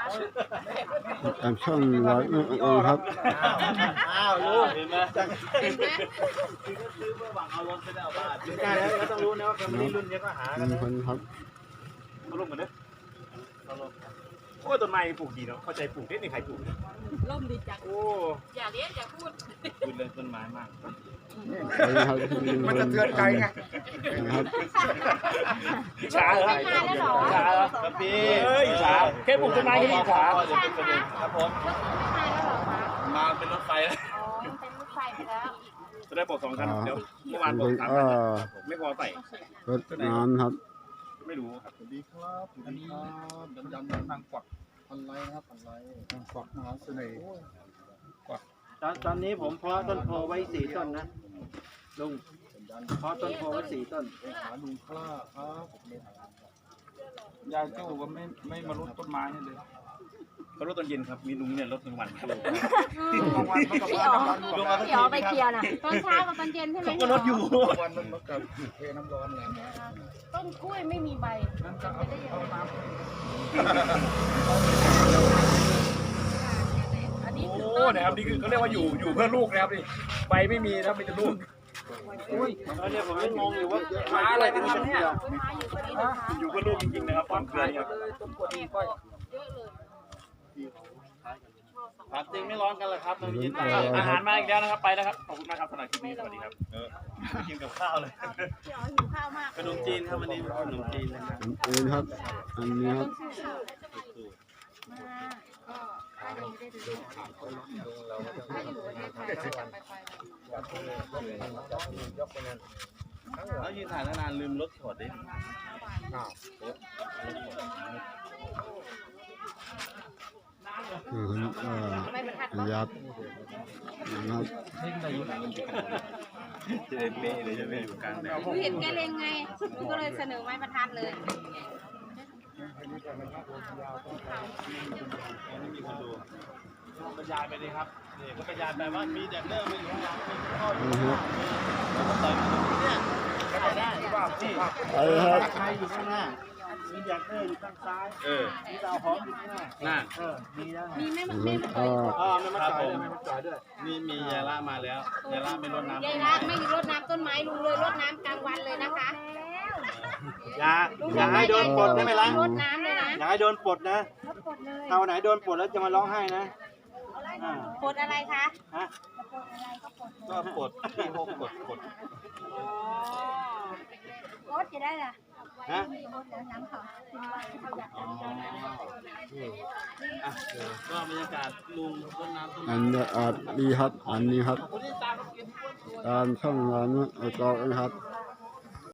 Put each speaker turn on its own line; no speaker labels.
ตามช่องร้อยครับ
อ้าวรู้เห็นไหม
เห็นไหม
คือก็ซื้อเพื่อหวังเอารถไปได้เอาบ้านใช่แล้วต้องรู้นะว่าแฟมิลี่รุ่นนี้ก็หากัน
มีคนครับ
เขาลงกันเด้อเขาลงโอ้ต้นไม้ปลูกดีเนาะเข้าใจปลูกได้ในใครปลูก
ล่มดีจัง
โอ้
อย่าเลี้ยงอย่าพูด
คุณเลยต้นไม้มาก
มันจะเตือนใจไงครับ
ช้าเหรอ
ไม่มาแล้วเหรอ
ช้าเหรอครับพี่เฮ้ยช้าแค่ปลูกต้นไม้ก็ดีช้าครับผม
ไม่มาแล้วเหรอคะ
มาเป็นรถไฟแล้ว
อ๋อเป็นรถไฟไปแล้ว
จะได้บอก2 คันเดี๋ยวเมื่อวานบอก3 คันไม่พอใส่
รถน้ำครับ
ไม่รู้ครับ
สวัสดีครับสวัสดีครับยันทางกวักพันไรนะครับพันไรทางกวักมหาเสน่ห์
ตอนนี้ผมเพาะต้นโพไว้4 ต้นนะลุงเพาะต้นโพไว้4 ต้น
ไปหาลุงคล้าครับผมเลย
ยายโจ้ก็ไม่มารดต้นไม้นี่เลย
เขารถตอนเย็นครับมีลุงเนี่ยรถกลางวันครับ
บางวันมันก็
พี่
มา
อ๋อ
ทำงานก่อน
พี่อ๋อไปเคลียร์น่ะตอนเช้ากับตอนเย็นใช่ไหม
เขาก็รถอยู่
วันมันมากับเทน้ำร้อนไง
ต้นกล้วยไม่มีใบ
นั่นก็เอาน้
อันนี้คือ
ำโอ้นะครับนี่คือเขาเรียกว่าอยู่เพื่อลูกนะครับนี่ใบไม่มีนะมีแต่ลูก
แล้วเนี่ยผมยังงงอยู่ว่า
หาอะไรกันครับเนี่ย
ต้นไม้อยู่ตรงนี้นะคะ
อยู่เพื่อลูกจริงๆนะครับความเคลื่อนครับ
ต้นกวดดินก้อย
เยอะเลย
ผักจริงไม่ร้อนกันเลยครับตอนนี้
อาหารมาอีกแล้วนะครับไปแล้วครับขอบคุณมากครับสำหรับคลิปนี้สวัสดีครับ
กินกับข้าวเลย
พี่อ๋อหิวข้าวมาก
ขนมจีนครับวันนี้ขนมจีนนะครับ
อันนี้ครับ อันนี้ครับ
มาก็ถ้ายังไม่ได้ดูถ้าอยู่ประเทศไทยก็จะไป
แล้วยืนถ่ายนานลืมรถถอดดิ
ไม่บรรทัด
ยับนะครับ
จะได้เป๊ะเลยจะไม่อยู่กลางแดด
หนูเห็นแกเลงไงก็เลยเสนอไม้บรรทัดเลย
ไม่มีคนดูบรรยายไปเลยครับนี่ก็บรรยายไปว่ามีแดดเดอร์มาอยู่ข้างหลังมีข้ออยู่
นี่ครับ
แล้วก็ต่อยเนี่ยก็จะได้นี่
ไปครับ
ใครอยู่ข้างหน้ามีแดกเตอร์อยู่ข้างซ้าย มีดาวหอมอยู่ข้างหน้า
น่า
มีแล้ว
มีแม่มัน
ร
แม่
ถ
มัน
ก็
ไม่มาจ่ายด้วยไม่มาจ่ายด้วย
นี่มียาล่ามาแล้วยาล่าไม่รดน้ำ
ยายรักไม่รดน้ำต้นไม้ลุงเลยรดน้ำกลางวันเลยนะคะ
อย่าให้โดนปลดได้ไหมล่ะ
รดน้ำเลยนะ
อย่าให้โดนปลดนะ
รดปลดเลย
ถ้าวันไหนโดนปลดแล้วจะมาร้องไห้นะอ่า
ปลดอะไรคะ
ฮะ
ก็ปลดที่พกปลด
รดจะได้ล่ะ
ฮะ
รดแล้วน้ำเขา
ก็บรรยากาศลุงรดน้ำต้น
อันนี้ดีครับ อันนี้ครับ ตามช่องร้านก็นะครับ